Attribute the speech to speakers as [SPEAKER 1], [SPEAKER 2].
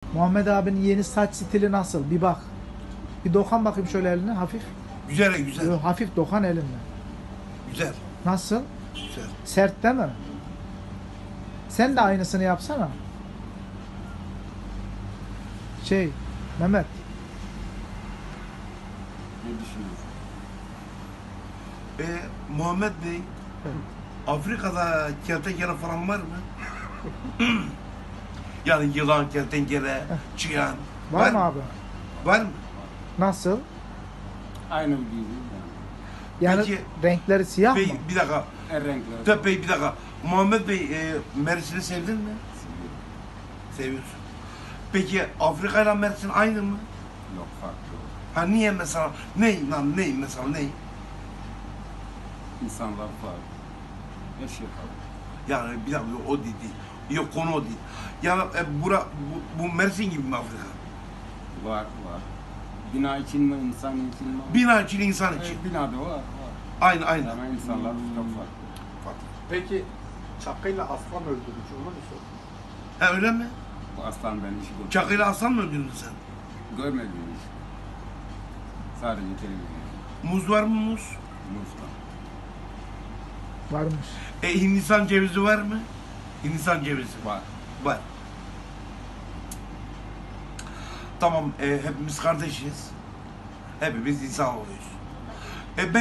[SPEAKER 1] Muhammed abinin yeni saç stili nasıl? Bir bak. Bir dokan bakayım şöyle eline hafif.
[SPEAKER 2] Güzel güzel.
[SPEAKER 1] Yo, hafif dokan elinle.
[SPEAKER 2] Güzel.
[SPEAKER 1] Nasıl?
[SPEAKER 2] Güzel.
[SPEAKER 1] Sert değil mi? Sen de aynısını yapsana. Mehmet.
[SPEAKER 3] Ne düşünüyorsun?
[SPEAKER 2] Muhammed Bey,
[SPEAKER 1] Evet.
[SPEAKER 2] Afrika'da kertenkele falan var mı? Yani yılan, kertenkele, çıyan.
[SPEAKER 1] Var mı abi?
[SPEAKER 2] Var mı?
[SPEAKER 1] Nasıl?
[SPEAKER 3] Aynı gibi yani.
[SPEAKER 1] Yani
[SPEAKER 2] Peki,
[SPEAKER 1] renkleri siyah
[SPEAKER 2] Bey,
[SPEAKER 1] mı?
[SPEAKER 2] bir dakika.
[SPEAKER 3] Her renkler.
[SPEAKER 2] Tabii Bey, bir dakika. Muhammed Bey, Mersin'i sevdin mi? Seviyorsun. Peki Afrika ile Mersin aynı mı?
[SPEAKER 3] Yok farklı.
[SPEAKER 2] Ha niye mesela? Ne lan ne mesela ne?
[SPEAKER 3] İnsanlar farklı. Her şey farklı.
[SPEAKER 2] Yani bir dakika o değil. Yok konu o değil. Yani bu Mersin gibi mi Afrika?
[SPEAKER 3] Var. Bina için mi, insan için mi?
[SPEAKER 2] Bina için, insan için.
[SPEAKER 3] Binada var.
[SPEAKER 2] Aynı aynı.
[SPEAKER 3] Ama insanlar çok farklı.
[SPEAKER 2] Farklı.
[SPEAKER 4] Peki çakıyla aslan öldürmüş onu mu sor?
[SPEAKER 2] Ha öyle mi?
[SPEAKER 3] Bu aslan ben hiç görmedim.
[SPEAKER 2] Çakıyla aslan mı öldürdün sen?
[SPEAKER 3] Görmedim hiç. Sadece televizyon.
[SPEAKER 2] Muz var mı muz?
[SPEAKER 3] Muzla.
[SPEAKER 1] Varmış.
[SPEAKER 2] Hindistan cevizi var mı? Hindistan cevizi.
[SPEAKER 3] Var.
[SPEAKER 2] Var. Tamam, hepimiz kardeşiz. Hepimiz insan oluyoruz. Ben